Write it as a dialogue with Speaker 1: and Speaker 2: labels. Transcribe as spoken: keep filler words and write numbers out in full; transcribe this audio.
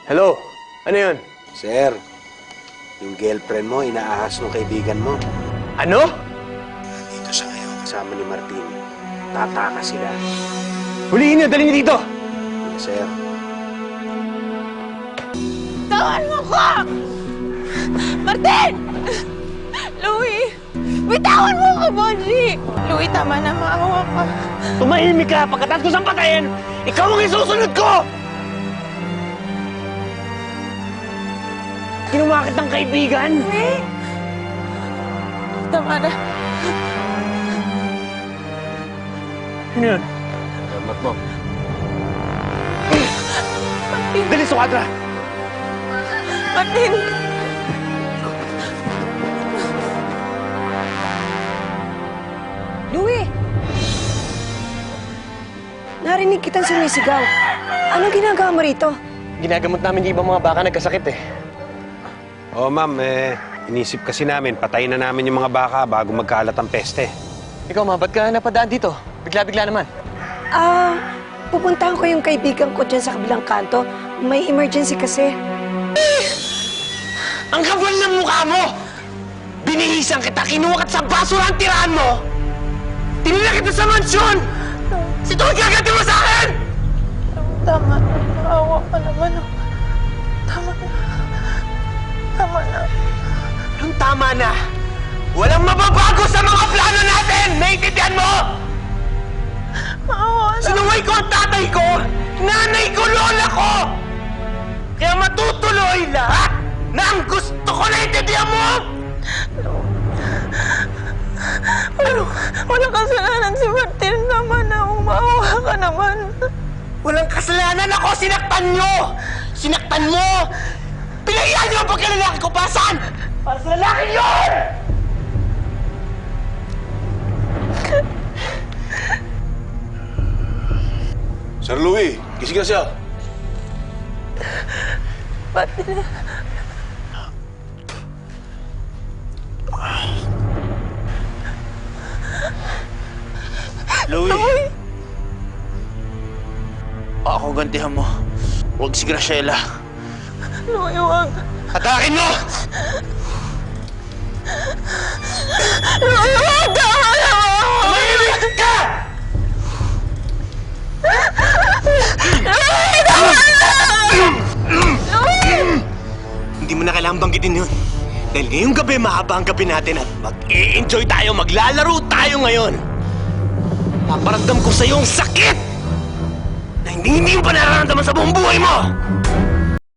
Speaker 1: Hello? Ano yun?
Speaker 2: Sir, yung girlfriend mo, inaahas ng kaibigan mo.
Speaker 1: Ano?
Speaker 2: Dito siya ngayon kasama ni Martin. Tataka sila.
Speaker 1: Huliin niyo, dali niyo dito!
Speaker 2: Sir.
Speaker 3: Tawan mo ko! Martin! Louie! Bitawan mo ko, Bonji! Louie, tama na. Maawa ka.
Speaker 1: Tumahimik ka! Pagkatapos ko siyang patayin, ikaw ang isusunod ko! Kinumakit ng kaibigan?
Speaker 3: Louie! Tama na.
Speaker 1: Ano yun?
Speaker 2: Salamat mo.
Speaker 1: Dali sa kwadra!
Speaker 3: Martin!
Speaker 4: Louie! Narinig kitang sumisigaw. Anong ginagawa mo rito?
Speaker 1: Ginagamot namin yung ibang mga baka nagkasakit eh.
Speaker 2: Oo, ma'am. Eh, inisip kasi namin, patayin na namin yung mga baka bago magkalat ang peste.
Speaker 1: Ikaw ma, ba't ka napadaan dito? Bigla-bigla naman.
Speaker 4: Ah, pupuntahan ko yung kaibigan ko dyan sa kabilang kanto. May emergency kasi.
Speaker 1: Ang kapal ng mukha mo! Binihisan kita, kinuha kita sa basura ang tirahan mo! Tinila kita sa mansyon! Situn ka agad mo sa akin!
Speaker 3: Tama na. Maawa ka naman. Tama na. Tama na.
Speaker 1: Anong tama na? Walang mababago sa mga plano natin! Naiintindihan mo?
Speaker 3: Maawa na.
Speaker 1: Sinuway ko ang tatay ko! Nanay ko, lola ko! Kaya matutuloy lahat na ang gusto ko, naiintindihan mo?
Speaker 3: Walang, walang kasalanan si Martin. Tama na. Maawa ka naman.
Speaker 1: Walang kasalanan ako! Sinaktan nyo! Sinaktan mo! Pinahiyan nyo ang pagkalalaki ko! Pasan? Para sa lalaki yun!
Speaker 5: Sir Louie, gising na siya.
Speaker 3: Martin.
Speaker 1: Louie! Ako gantihan mo. Huwag si Graciela.
Speaker 3: Louie, huwag.
Speaker 1: Atakin mo!
Speaker 3: Louie, huwag! Tama na!
Speaker 1: Tumahimik ka!
Speaker 3: Louie, tama na! Louie!
Speaker 1: Hindi mo na kailangang banggitin yun. Dahil ngayong gabi, mahaba ang gabi natin at mag-i-enjoy tayo, maglalaro tayo ngayon. Paparamdam ko sa'yo ang sakit na hindi hindi mo pa nararamdaman sa buong buhay mo!